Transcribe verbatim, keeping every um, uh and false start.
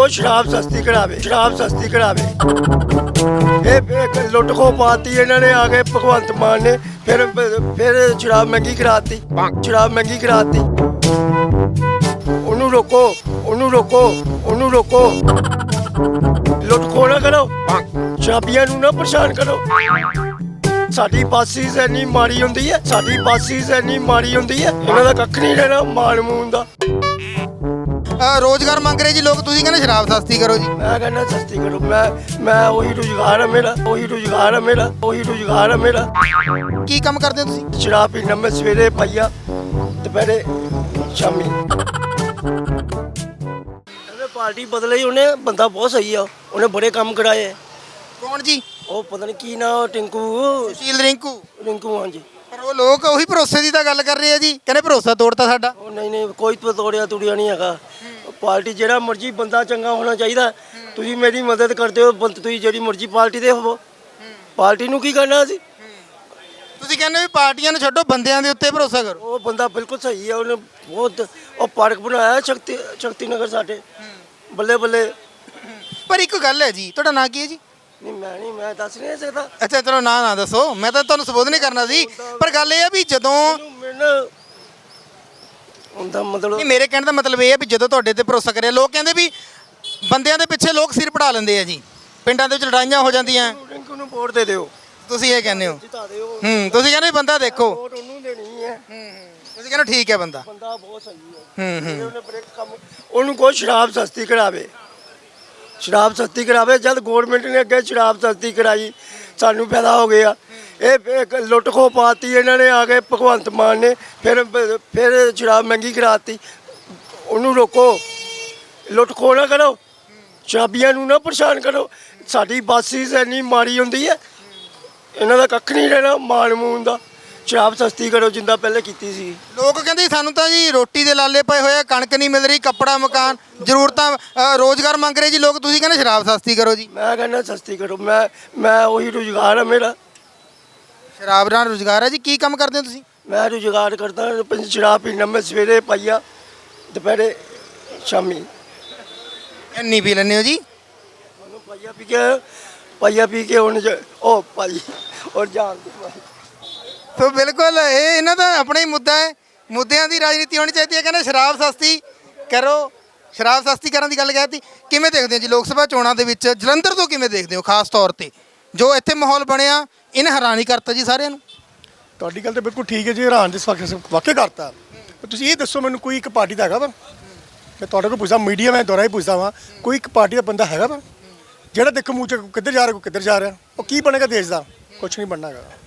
शराब सस्ती करावे शराब सस्ती करावे ये लुट खो पाती इन्होंने आके भगवंत मान ने फिर फिर शराब महंगी कराती शराब महंगी कराती ओनू रोको ओनू रोको ओनू रोको लुट खो ना करो शराबियां नू ना परेशान करो ਸਾਡੀ ਬਾਸਿਸ ਇੰਨੀ ਮਾੜੀ ਹੁੰਦੀ ਹੈ ਸਾਡੀ ਬਾਸਿਸ ਇੰਨੀ ਮਾੜੀ ਹੁੰਦੀ ਹੈ ਇਹਨਾਂ ਦਾ ਕੱਖ ਨਹੀਂ ਰਹਿਣਾ ਮਾਣ ਮੂਨ ਦਾ ਰੋਜ਼ਗਾਰ ਮੰਗ ਰਹੇ ਜੀ ਲੋਕ, ਤੁਸੀਂ ਕਹਿੰਦੇ ਸ਼ਰਾਬ ਸਸਤੀ ਕਰੋ ਜੀ। ਮੈਂ ਕਹਿੰਦਾ ਸਸਤੀ ਕਰੋ ਮੈਂ ਮੈਂ ਉਹੀ ਰੁਜ਼ਗਾਰ ਹੈ ਮੇਰਾ ਉਹੀ ਰੁਜ਼ਗਾਰ ਹੈ ਮੇਰਾ ਉਹੀ ਰੁਜ਼ਗਾਰ ਹੈ ਮੇਰਾ ਕੀ ਕੰਮ ਕਰਦੇ ਹੋ ਤੁਸੀਂ? ਸ਼ਰਾਬ ਪੀਣਾ ਮੈਂ ਸਵੇਰੇ ਪਾਈਆ ਦੁਪਹਿਰੇ ਸ਼ਾਮੀ ਇਹਨੇ ਪਾਰਟੀ ਬਦਲੀ ਉਹਨੇ ਬੰਦਾ ਬਹੁਤ ਸਹੀ ਆ ਉਹਨੇ ਬੜੇ ਕੰਮ ਕਰਾਏ ਕੌਣ ਜੀ? ਉਹ ਪਤਾ ਨਹੀਂ ਕੀ ਨਾ ਟਿੰਕੂ ਸੁਸ਼ੀਲ ਰਿੰਕੂ ਰਿੰਕੂ ਹਾਂਜੀ ਪਰ ਉਹ ਲੋਕ ਉਹੀ ਭਰੋਸੇ ਦੀ ਤਾਂ ਗੱਲ ਕਰ ਰਹੇ ਆ ਜੀ, ਕਹਿੰਦੇ ਭਰੋਸਾ ਤੋੜਤਾ ਸਾਡਾ। ਉਹ ਨਹੀਂ ਨਹੀਂ ਕੋਈ ਤੋੜਿਆ ਤੁੜਿਆ ਨਹੀਂ ਹੈਗਾ ਪਾਰਟੀ ਜਿਹੜਾ ਮਰਜ਼ੀ ਬੰਦਾ ਚੰਗਾ ਹੋਣਾ ਚਾਹੀਦਾ ਤੁਸੀਂ ਮੇਰੀ ਮਦਦ ਕਰਦੇ ਹੋ ਬੰਦ ਤੁਸੀਂ ਜਿਹੜੀ ਮਰਜ਼ੀ ਪਾਰਟੀ ਦੇ ਹੋਵੋ ਪਾਰਟੀ ਨੂੰ ਕੀ ਕਰਨਾ ਸੀ ਤੁਸੀਂ ਕਹਿੰਦੇ ਵੀ ਪਾਰਟੀਆਂ ਨੂੰ ਛੱਡੋ ਬੰਦਿਆਂ ਦੇ ਉੱਤੇ ਭਰੋਸਾ ਕਰੋ। ਉਹ ਬੰਦਾ ਬਿਲਕੁਲ ਸਹੀ ਹੈ ਉਹਨੇ ਬਹੁਤ ਉਹ ਪਾਰਕ ਬਣਾਇਆ ਸ਼ਕਤੀ ਸ਼ਕਤੀ ਨਗਰ ਸਾਡੇ ਬੱਲੇ ਬੱਲੇ। ਪਰ ਇੱਕ ਗੱਲ ਹੈ ਜੀ, ਤੁਹਾਡਾ ਨਾਂ ਕੀ ਹੈ ਜੀ? ਨਹੀਂ ਮੈਂ ਨਹੀਂ ਮੈਂ ਦੱਸ ਨਹੀਂ ਸਕਦਾ ਅੱਛਾ ਚਲੋ ਨਾਂ ਨਾ ਦੱਸੋ, ਮੈਂ ਤਾਂ ਤੁਹਾਨੂੰ ਸੰਬੋਧਨ ਨਹੀਂ ਕਰਨਾ ਸੀ। ਪਰ ਗੱਲ ਇਹ ਆ ਵੀ ਜਦੋਂ ਮੈਨੂੰ ਹੁੰਦਾ ਮਤਲਬ ਨਹੀਂ, ਮੇਰੇ ਕਹਿਣ ਦਾ ਮਤਲਬ ਇਹ ਹੈ ਵੀ ਜਦੋਂ ਤੁਹਾਡੇ ਤੇ ਭਰੋਸਾ ਕਰਿਆ, ਲੋਕ ਕਹਿੰਦੇ ਵੀ ਬੰਦਿਆਂ ਦੇ ਪਿੱਛੇ ਲੋਕ ਸਿਰ ਪੜਾ ਲੈਂਦੇ ਆ ਜੀ, ਪਿੰਡਾਂ ਦੇ ਵਿੱਚ ਲੜਾਈਆਂ ਹੋ ਜਾਂਦੀਆਂ, ਰਿੰਕੂ ਨੂੰ ਵੋਟ ਦੇ ਦਿਓ ਤੁਸੀਂ ਇਹ ਕਹਿੰਦੇ ਹੋ। ਜਿਤਾ ਦਿਓ ਹੂੰ ਤੁਸੀਂ ਕਹਿੰਦੇ ਵੀ ਬੰਦਾ ਦੇਖੋ, ਵੋਟ ਉਹਨੂੰ ਦੇਣੀ ਹੈ ਤੁਸੀਂ ਕਹਿੰਦੇ ਠੀਕ ਹੈ ਬੰਦਾ। ਬੰਦਾ ਬਹੁਤ ਸਹੀ ਹੈ ਹੂੰ ਹੂੰ ਉਹਨੇ ਬੜੇ ਕੰਮ ਉਹਨੂੰ ਕੋਈ ਸ਼ਰਾਬ ਸਸਤੀ ਕਰਾਵੇ ਸ਼ਰਾਬ ਸਸਤੀ ਕਰਾਵੇ ਜਦ ਗਵਰਨਮੈਂਟ ਨੇ ਅੱਗੇ ਸ਼ਰਾਬ ਸਸਤੀ ਕਰਾਈ ਸਾਨੂੰ ਫਾਇਦਾ ਹੋ ਗਿਆ ਇਹ ਲੁੱਟ ਖੋ ਪਾਤੀ ਇਹਨਾਂ ਨੇ ਆ ਕੇ ਭਗਵੰਤ ਮਾਨ ਨੇ ਫਿਰ ਫਿਰ ਸ਼ਰਾਬ ਮਹਿੰਗੀ ਕਰਾਤੀ ਉਹਨੂੰ ਰੋਕੋ ਲੁੱਟ ਖੋ ਨਾ ਕਰੋ ਸ਼ਰਾਬੀਆਂ ਨੂੰ ਨਾ ਪਰੇਸ਼ਾਨ ਕਰੋ ਸਾਡੀ ਬਾਸਿਸ ਇੰਨੀ ਮਾੜੀ ਹੁੰਦੀ ਹੈ ਇਹਨਾਂ ਦਾ ਕੱਖ ਨਹੀਂ ਰਹਿਣਾ ਮਾਣ ਮੂਨ ਦਾ ਸ਼ਰਾਬ ਸਸਤੀ ਕਰੋ ਜਿੰਦਾ ਪਹਿਲੇ ਕੀਤੀ ਸੀ। ਲੋਕ ਕਹਿੰਦੇ ਸਾਨੂੰ ਤਾਂ ਜੀ ਰੋਟੀ ਦੇ ਲਾਲੇ ਪਏ ਹੋਏ ਆ, ਕਣਕ ਨਹੀਂ ਮਿਲ ਰਹੀ, ਕੱਪੜਾ ਮਕਾਨ ਜ਼ਰੂਰਤਾਂ ਰੋਜ਼ਗਾਰ ਮੰਗ ਰਹੇ ਜੀ ਲੋਕ, ਤੁਸੀਂ ਕਹਿੰਦੇ ਸ਼ਰਾਬ ਸਸਤੀ ਕਰੋ ਜੀ। ਮੈਂ ਕਹਿੰਦਾ ਸਸਤੀ ਕਰੋ ਮੈਂ ਮੈਂ ਉਹੀ ਰੁਜ਼ਗਾਰ ਹੈ ਮੇਰਾ ਸ਼ਰਾਬ ਨਾਲ ਰੁਜ਼ਗਾਰ ਹੈ ਜੀ, ਕੀ ਕੰਮ ਕਰਦੇ ਹੋ ਤੁਸੀਂ? ਮੈਂ ਰੁਜ਼ਗਾਰ ਕਰਦਾ ਪੰਜ ਸ਼ਰਾਬ ਪੀਣਾ ਮੈਂ ਸਵੇਰੇ ਪਾਈਆ ਦੁਪਹਿਰੇ ਸ਼ਾਮੀ ਇੰਨੀ ਪੀ ਲੈਂਦੇ ਹੋ ਜੀ? ਉਹਨੂੰ ਪਾਈਆ ਪੀ ਕੇ ਪਾਈਆ ਪੀ ਕੇ ਹੁਣ ਜ- ਉਹ ਭਾਈ ਔਰ ਜਾਣ ਦੇ ਭਾਈ ਸੋ ਬਿਲਕੁਲ ਇਹ ਇਹਨਾਂ ਦਾ ਆਪਣਾ ਹੀ ਮੁੱਦਾ ਹੈ, ਮੁੱਦਿਆਂ ਦੀ ਰਾਜਨੀਤੀ ਹੋਣੀ ਚਾਹੀਦੀ ਹੈ। ਕਹਿੰਦੇ ਸ਼ਰਾਬ ਸਸਤੀ ਕਰੋ, ਸ਼ਰਾਬ ਸਸਤੀ ਕਰਨ ਦੀ ਗੱਲ ਕਹਿਤੀ। ਕਿਵੇਂ ਦੇਖਦੇ ਹੋ ਜੀ ਲੋਕ ਸਭਾ ਚੋਣਾਂ ਦੇ ਵਿੱਚ ਜਲੰਧਰ ਤੋਂ ਕਿਵੇਂ ਦੇਖਦੇ ਹੋ ਖਾਸ ਤੌਰ ਤੇ ਜੋ ਇੱਥੇ ਮਾਹੌਲ ਬਣਿਆ, ਇਹਨੇ ਹੈਰਾਨੀ ਕਰਤਾ ਜੀ ਸਾਰਿਆਂ ਨੂੰ। ਤੁਹਾਡੀ ਗੱਲ ਤਾਂ ਬਿਲਕੁਲ ਠੀਕ ਹੈ ਜੀ, ਹੈਰਾਨ ਜਿਸ ਵਕਤ ਵਾਕਿਆ ਕਰਤਾ। ਪਰ ਤੁਸੀਂ ਇਹ ਦੱਸੋ ਮੈਨੂੰ ਕੋਈ ਇੱਕ ਪਾਰਟੀ ਦਾ ਹੈਗਾ ਵਾ, ਮੈਂ ਤੁਹਾਡੇ ਕੋਲ ਪੁੱਛਦਾ ਮੀਡੀਆ ਮੈਂ ਦੁਆਰਾ ਹੀ ਪੁੱਛਦਾ ਵਾਂ, ਕੋਈ ਇੱਕ ਪਾਰਟੀ ਦਾ ਬੰਦਾ ਹੈਗਾ ਵਾ ਜਿਹੜਾ ਦੇਖੋ ਮੂੰਹ ਚ ਕਿੱਧਰ ਜਾ ਰਿਹਾ ਕੋਈ ਕਿੱਧਰ ਜਾ ਰਿਹਾ, ਉਹ ਕੀ ਬਣੇਗਾ ਦੇਸ਼ ਦਾ? ਕੁਛ ਨਹੀਂ ਬਣਨਾ ਹੈਗਾ।